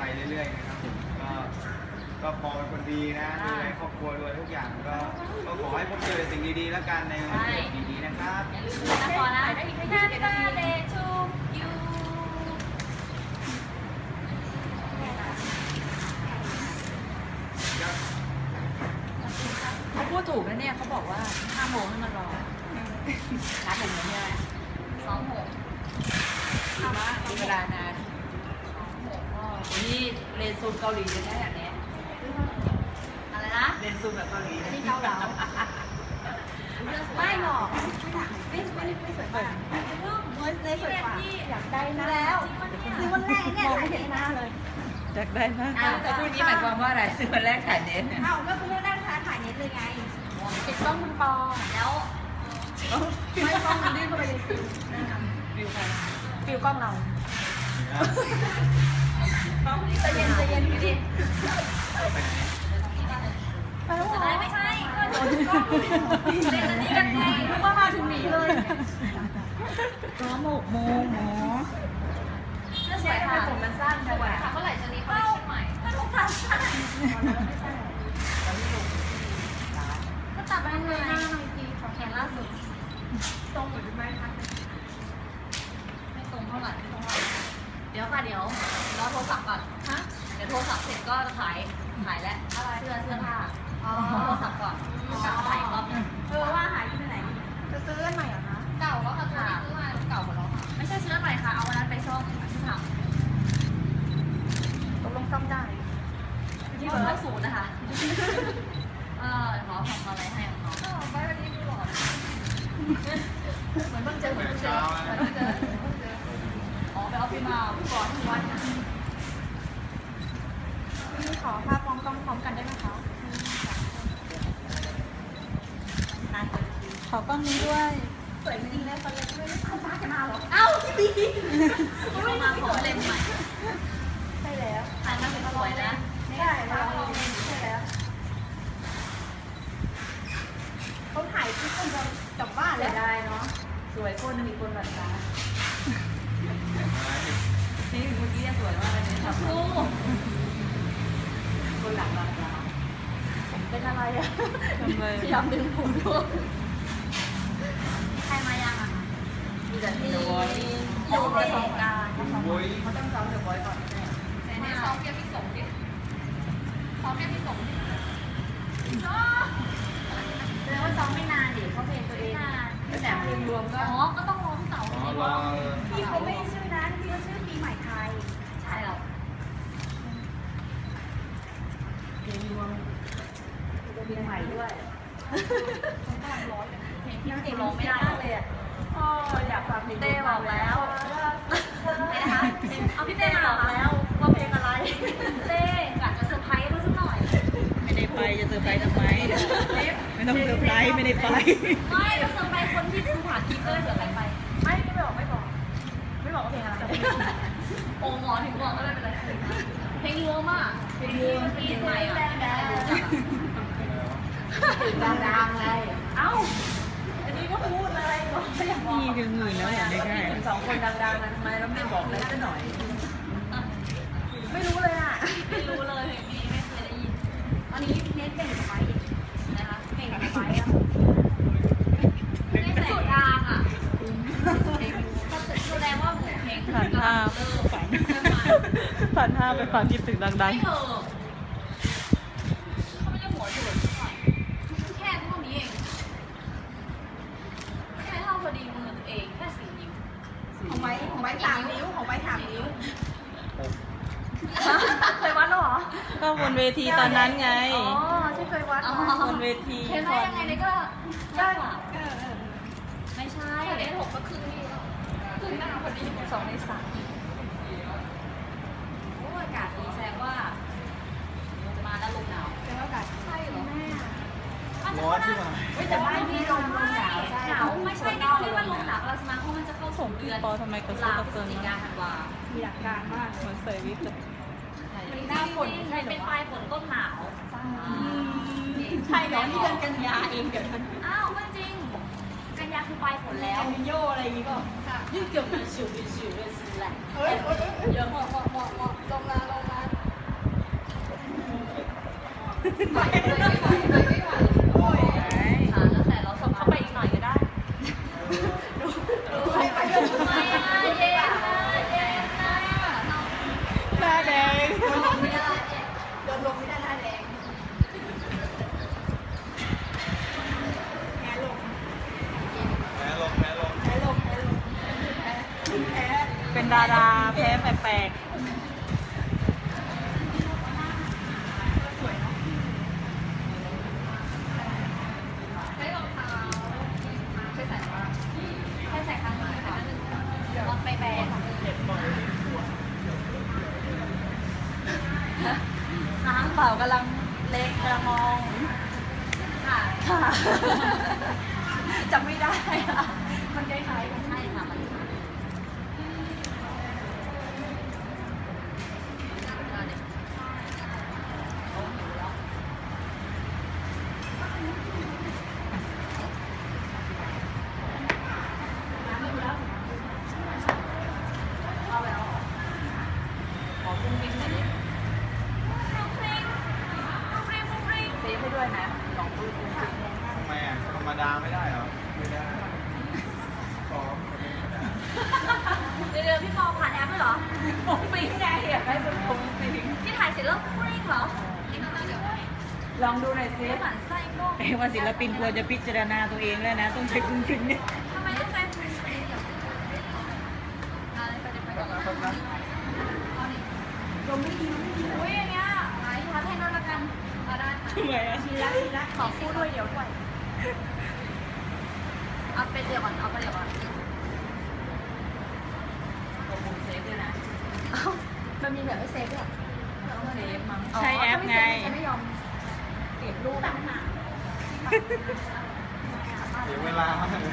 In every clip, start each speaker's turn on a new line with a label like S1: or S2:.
S1: ไปเรื่อยๆนะครับก็พอเป็นคนดีนะดูแลครอบครัวด้วยทุกอย่างก็ขอให้พบเจอสิ่งดีๆแล้วกันในวันเกิดดีๆนะครับ
S2: อย่าลืมนะพอนะได้อีกแค่20 นาที Birthday to you
S3: เขาพูดถูกนะเนี่ยเขาบอกว่า5 โมงให้มารอนัดหนึ่งแล้วเนี่ย
S2: 2 โมง
S3: มีเวลานานนี่เรียนซูมเกาหลีเลยนะอย่างนี้
S2: อะไรนะ
S3: เรียนซูมแบบเกาหลี
S2: นี่เกาเหลาไม่หรอกไม่สวยกว่าเลยสวยกว่าอยากได้นะแล้วซื้อวันแรกเนี่ยถ่ายเน็ตหน้าเลย
S3: อยากได้มากแต่พูดนี้หมายความว่าอะไรซื้อวันแรกถ่ายเน็ต
S2: เอ้าก็ซื้อวันแรกถ่ายเน็ตเลยไงติดกล้องคุณปอแล้วไม่กล้องมันดิ้นเข้าไปในฟิวใครฟิวกล้องเราใจเย็นพี่ไม่ใช่ก็เล่นอันนี้กันไงเพราะว่ามาถึงหนีเลย
S3: 6 โมงหมอ
S2: เสื้อสวยค่ะผมมันสั้นสวยค่ะเมื่อไหร่จะมีคอลเลคชั่นใหม่ก็ลูกค้าสั้นก็ตัดไปเลยหน้าหน่อยทีของแขนล่าสุดตรงหรือไม่คะไม่ตรงเท่าไหร่เดี๋ยวค่ะเดี๋ยวรอโทรศัพท์ก่อนฮะเดี๋ยวโทรศัพท์เสร็จก็จะขายแล้วเสื้อผ้าโทรศัพท์ก่อนกลับมาถ่ายรอบนึงว่าหายที่ไหนจะซื้ออันใหม่เหรอคะเก่าแล้วค่ะตัวนี้ซื้อมาเก่าหมดแล้วค่ะไม่ใช่ซื้ออันใหม่ค่ะเอาวันนั้นไปซ่อมที่ถังตกลงซ่อมได้ที่เบอร์0นะคะขอทำอะไรให้ของเขาไปวันนี้ดูหล่อเหมือนเพิ่งเจออ๋อไปออฟฟิศมาก่อนทุกวันนี่ขอภาพพร้อมกล้องพร้อมกันได้ไหมคะ
S3: ขอกล้องนี้ด้วย
S2: สวยจริงเลยคนเล็กไม่เข้าฟ้าจะมาหรอเอ้าพี่บีไม่มาขอเล่นใหม่ใช่แล้วถ่ายมาเป็นสวยนะไม่ได้เราใช่แล้วเขาถ่ายที่คนจะกลับบ้านเลยได้เนาะ
S3: สวยคนมีคนหลับตานี่เมื่อกี้สวยมากเลยเนี่ยครับคนหลับตา
S2: เป็นอะไรอ่ะ
S3: พ
S2: ยายามดึงผมด้วยใครมายังอ่ะ
S3: มีแต่ที่บอย
S2: อยู่ประสบการณ์
S3: เขาต้องซ้อมเดี๋ยวบอยก่อน
S2: แต่ซ้อมเพียงพี่สงดิซ้อมเพียงพี่สงดิแสดงว่าซ้อมไม่นานดิเขาเพลงตัวเอง
S3: แต่เพลงรวมก็
S2: ก็ต้องร้องเต่าพี่เขาไม่ชื่อนั้นพี่เขาชื่อปีใหม่ไทยใช่หรอ
S3: เพลงรวมเพลงใหม่ด้วย
S2: เพลงที่ติดร้องไม่ได้เลยอ่ะ
S3: อยากฟังเพลง
S2: เต้บอกแล้วนะคะเอาพี่เต้มาบอกแล้วว่าเพลงอะไรเต้กะจะเซอร์ไพรส์เขาสักหน่อย
S3: ไม่ได้ไปจะเซอร์ไพรส์ทำไมไม่ต้องเซอร์ไพรส์ไม่ได้ไป
S2: ไม่เซอร์ไพรส์คนที่ดูผ่านคลิปก็เลยเผื่อใครไปไม่บอกว่าเพลงอะไรโอ้หมอถึงบอกก็ไม่เป็นไรเพลงรวมอ่ะเพลงรวมเพลงใหม่อ่ะตื่นดังๆเลยเอ้าอันนี้ก็พูดเลย
S3: นี่คือหมื่นแล้วเหรอไม่ใช่
S2: 2 คนดังๆนะทำไมเราไม่บอกเลยสักหน่อยไม่รู้เลยอ่ะไม่รู้เลยเพลงนี้ไม่เคยได้ยินอันนี้เน้นเป็นไฟนะคะเพลงไฟอ่ะไม่สุดทางอ่ะแสดงว่าเพลง
S3: ผ่านภาพผ่านภาพไปความคิดถึงดังๆ
S2: ไม่เถอะเขาไม่ได้หัวจุดแค่เท่านี้เองแค่เท่าพอดีมือตัวเองแค่4 นิ้วของไม้3 นิ้วของไม้3 นิ้วเคยวัดหรอ
S3: ก็บนเวทีตอนนั้นไง
S2: ที่เคยวัด
S3: บนเวที
S2: เห็นไหมยังไงนี่ก็ยากไม่ใช่ได้6ก็ครึ่งนี่ครึ่งหน้าพอดี2 ใน 3อากาศดีแสดงว่าจะมาแล้วลมหนาวแสดงว่าอากาศใช่เหรอแม่
S1: ร้อนใช่ไหม
S2: แต่บ้านมีลมหนาวไม่ใช่นี่เขาเรียกว่าลมหนาวเราจะมาเพราะมันจะเข้าสู่เดือน
S3: ทำไมกระ
S2: ตุ
S3: กกระเกิน
S2: ธันวามีหลักการมาก
S3: เหมือนใส่วิกเลย
S2: หน้าฝนใช่เป็นปลายฝนต้นหนาวใช่เหรอนี่เดือนกันยาเองเดี๋ยวอ้าวไม่จริงกันยาคือปลายฝนแล้ว
S3: โยอะไรอย่างงี้ก็
S2: ยืดเกี่ยวกับชิวเลยสิแหละเยอะมากลงมาไหวไม่ไหวไม่ไหวโอ้ยแล้วแต่เราส่งเข้าไปอีกหน่อยก็ได้ดูให้ไปเลยไม่ได้เย็นหน้าแดงโดนลงไม่ได้หน้าแดง
S3: เป็นดาราแพ้แปลก
S2: ใช้รองเท้าใช้ใส่ว่าใช้ใส่ข้างนี้ค่ะเดี๋ยวไปแบนน้ำเปล่ากำลังเล็กกำลังมองค่ะจำไม่ได้ค่ะมันคล้ายๆกันใช่ค่ะมันขอฟุ้งฟิ้งหน่อยดิเซฟให้ด้วยนะลองดูฟุ้งฟิ้ง
S1: ทำไมอ่ะธรรมดาไม่ได้เหรอไม่ได้ซ้อมไม่ได้
S2: เดี๋ยวพี่ปอผ่านแอปด้วยเหรอฟุ้งฟิ้งไงอยากได้เป็นฟุ้งฟิ้งที่ถ่ายเสร็จแล้วฟุ้งฟิ้งเหรอ
S3: ลองดูหน่อยสิ
S2: หมั่นไส้ก็
S3: ว่าศิลปินควรจะพิจารณาตัวเองแล้วนะ ต้องใช้คุณฟินเนี่ย
S2: ทำไมต้องใช้ฟุ้งฟิ้งเดี๋ยวไปก่อนนะลมไม่ดีอุ้ยอันเนี้ยหายทัดให้นนละกันได้ค่ะ
S3: ทำไมอ่ะ
S2: ชีละขอคู่ด้วยเดี๋ยวด้วยเอาไปเดี๋ยวก่อนเอาไปเดี๋ยวก่อน
S3: กดปุ่มเซฟด้วยนะ
S2: เอ้ามันมีแบบไม่เซฟด้วย
S3: ต้องเซฟมั้งใช้แอปไง
S2: ไม่ยอมเก็บรูปต่างหาก
S1: เสียเวลามากเลย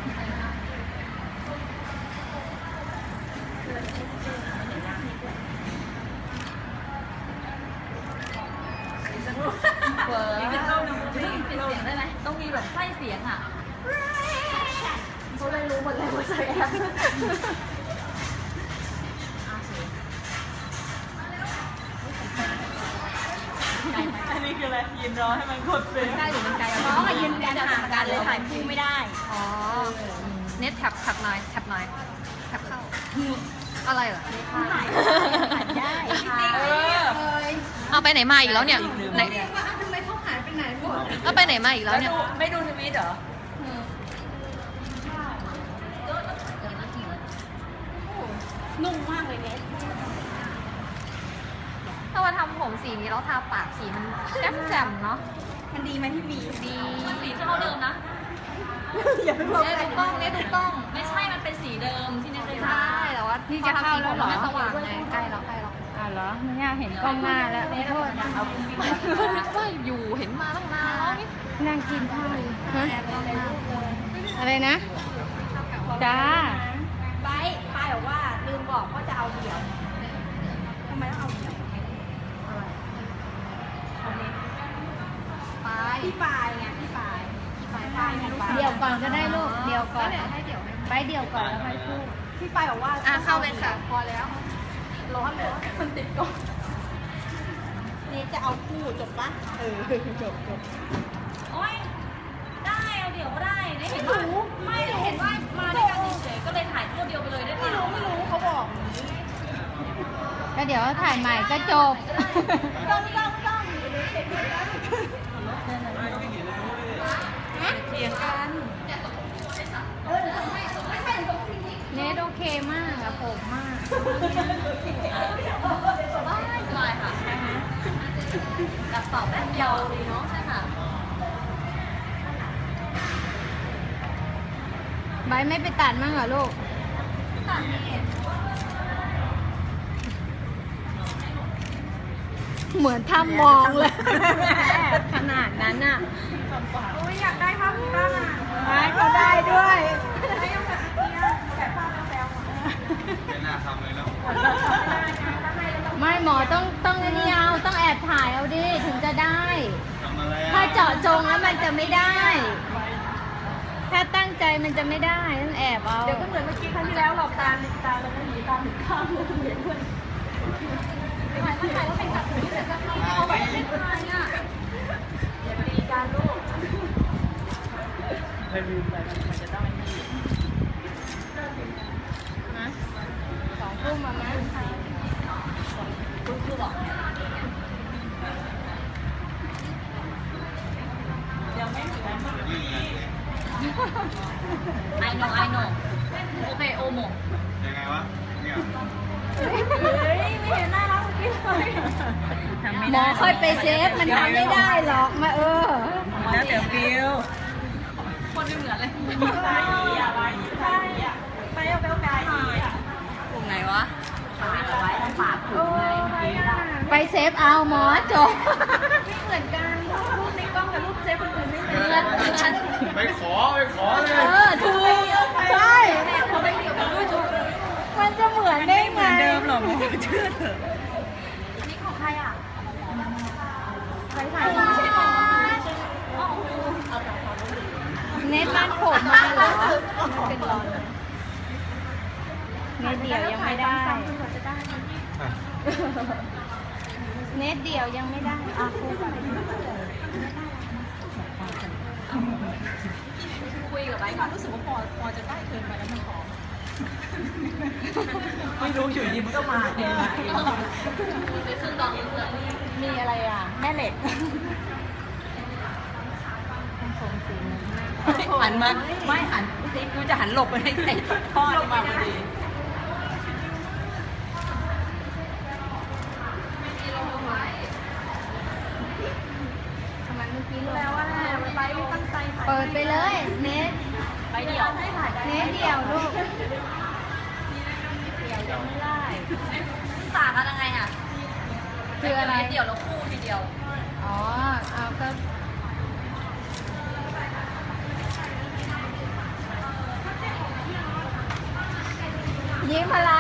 S2: เวิร์ปิดเสียงได้ไหมต้องมีแบบไส้เสียงอ่ะเขาเลยรู้หมดเลยว่าใช้แอป
S3: อันนี้คืออะไรยืนรอให้มันกดเซฟ
S2: ใช่หรือมันไกลน้องยืนกันห่างกันเลยถ่ายคู่ไม่ได้อ๋อเน็ตแท็บหน่อยแท็บเข้าอะไรเหรอถ่ายได้เอาไปไหนมาอีกแล้วเนี่ยไหนทำไมเขาหายไปไหนหมดเอาไปไหนมาอีกแล้วเนี่ย
S3: ไม่ดูทวิตเหรอ
S2: นุ่มมากเลยเน็ตถ้าว่าทำผมสีนี้แล้วทาปากสีมันแจ่มๆเนาะมันดีไหมพี่บีดีสีเท่าเดิมนะ
S3: อย่าไปบอก
S2: เนี่ยถูกต้องเนี่ยถูกต้องไม่ใช่มันเป็นสีเดิมที่เนี่ยเคยทาใช่แต่ว่าที่จะเข้าแล้วเหรอสว่างไงใกล้แล้ว
S3: เหรอไม่อยากเห็นกล้องหน้าแล้วขอโทษนะเอาคุณพี่
S2: นึกว่าอยู่เห็นมาตั้งนานแล้วนี่
S3: นั่งกินข้าวอยู่ฮะอะไรนะจ้า
S2: ไปบอกว่าลืมบอกว่าจะเอาเดี่ยวทำไมต้องเอาเดี่ยวไปพี่ปายไงพี่ปาย
S3: เดี๋ยวก่อนก็ได้ลูกเดี๋ยวก่อน
S2: ให้เดี่ยว
S3: ไปเดี๋ยวก่อนแล้วค่อยพูด
S2: พี่ปายบอกว่าเข้าเลยค่ะพอแล้วร้อนเลยมันติดก่อนนี่จะเอาคู่จบปะ
S3: จบ
S2: โอ๊ยได้เอาเดี๋ยวก็ได้ได้เห็นว่าไม่ได้เห็นว่ามาด้วยกันเฉยๆก็เลยถ่ายคู่เดียวไปเลยได้ไหมไม่รู้เขาบอก
S3: ก็เดี๋ยวถ่ายใหม่ก็จบ
S2: ต้อง
S3: เถียงกัน เนทโอเคมากอะผมมาก
S2: สบายค่ะกับตอบแป๊บเดียวดีเนาะใช่ค่ะ
S3: ใบไม่ไปตัดมั่งเหรอลูก
S2: ตัดนี่
S3: เหมือนถ้ำมองเลย ขนาดนั้นอะ
S2: โอ้ยอยากได้ภาพนี้บ้างอ่ะ
S3: เขาได้ด้วย
S2: ไม่ต้องแบบนี้แบบภาพแซว
S1: ไม่น่าทำเลยแล้ว
S3: ไม่หมอต้องนี่เอาต้องแอบถ่ายเอาดิถึงจะได้
S1: ทำอะไร
S3: ถ้าเจาะจงแล้วมันจะไม่ได้ ถ้าตั้งใจมันจะไม่ได้ต้องแอบเอา
S2: เดี๋ยวก็เหมือนเมื่อกี้ครั้งที่แล้วหลอกตาแล้วก็หนีตาหนีข้างเลยเหมือนเพื่อนถ่ายแล้วเป็นแบบนี้แต่ก็เอาแบบไม่ถ่ายอ่ะยลืมไปมันจะต้องไม่มี
S3: นะ2 ทุ่มมามั้ง
S2: คุณครูบอกยังไม่ถึงไอโนโอเคโอโม
S1: ยังไงวะเนี่ย
S2: เฮ้ยไม่เห็นน่ารักเมื่อกี้เลย
S3: หมอค่อยไปเซฟมันทำไม่ได้หรอกมา
S2: แล้วเดี๋ยวฟิวคนไม่เหมือนเลยไปอ่ะไปเอากลุ่มไหนวะไว้ต้องฝากกลุ่มไง
S3: ไปเซฟเอาหมอจบ
S2: ไม่เหมือนกันรูปในกล้องกับรูปเจ๊คนอื่นไม่เหมือนกัน
S1: ไปขอเลย
S3: ถูกใช่
S2: เขาไม่เกี่ยวกับรูปจุ๊บ
S3: มันจะเหมือนได้ไง
S2: เดิมหรอหมอเชื่อเถอะนี่ของใครอ่ะใครถ่ายไม่ใช่หมอ
S3: เน็ตมันผมมาเหรอเป็นรอนเน็ตเดียวยังไม่ได้ เน็ตเดียวยังไม่ได้คู่กัน
S2: คุยกับไอ้ก่อนรู้สึกว่าพอจะได้เกินไปแล้วมันหอมไม่รู้อยู่ดีมันก็มาเองไปครึ่งดองเพื่อนมีอะไรอ่ะแม่เหล็กหันมาไม่หันกูจะหันหลบไปให้ไอ้พ่อนี่มาพอดี
S3: ทำไมเมื่อกี้
S2: แล้วว่าไปตั้งใจ
S3: เปิดไปเลยเน็ต
S2: ไปเดี่ยวให้ถ่าย
S3: เน็ตเดียวลูกเดียวยังไม่ได้
S2: ต่างกันยังไงอ่ะ
S3: คืออะไร
S2: เดี่ยวแล้วคู่ทีเดียว
S3: อ๋อเอาก็ยิ้มอะไร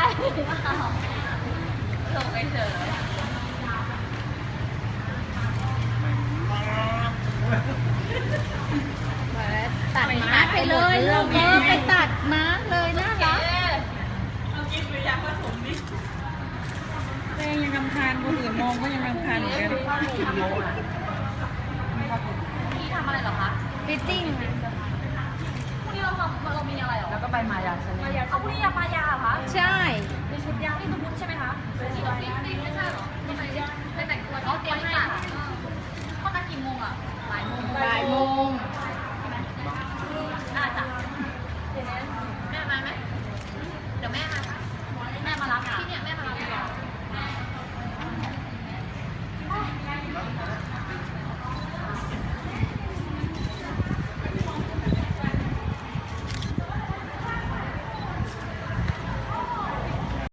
S2: ลงไปเถอะ
S3: ตัดมาร์คไปเลยลูกไปตัดมาร์คเลยน่ารัก
S2: เรากินหรือยังผสมดิแม่ยังรำคาญคนอื่นมองก็ยังรำคาญเหมือนกันพี่ทำอะไรเหรอคะ
S3: ฟิตติ้ง
S2: พรุ่งนี้เรามีอะไรเหรอ
S4: แล้วก็ไปมายาชาแนล
S2: เอาพรุ่งนี้ยามายาเหรอคะ
S3: ใช่
S2: มีชุดยาที่ตุ้มใช่ไหมคะ
S4: ไป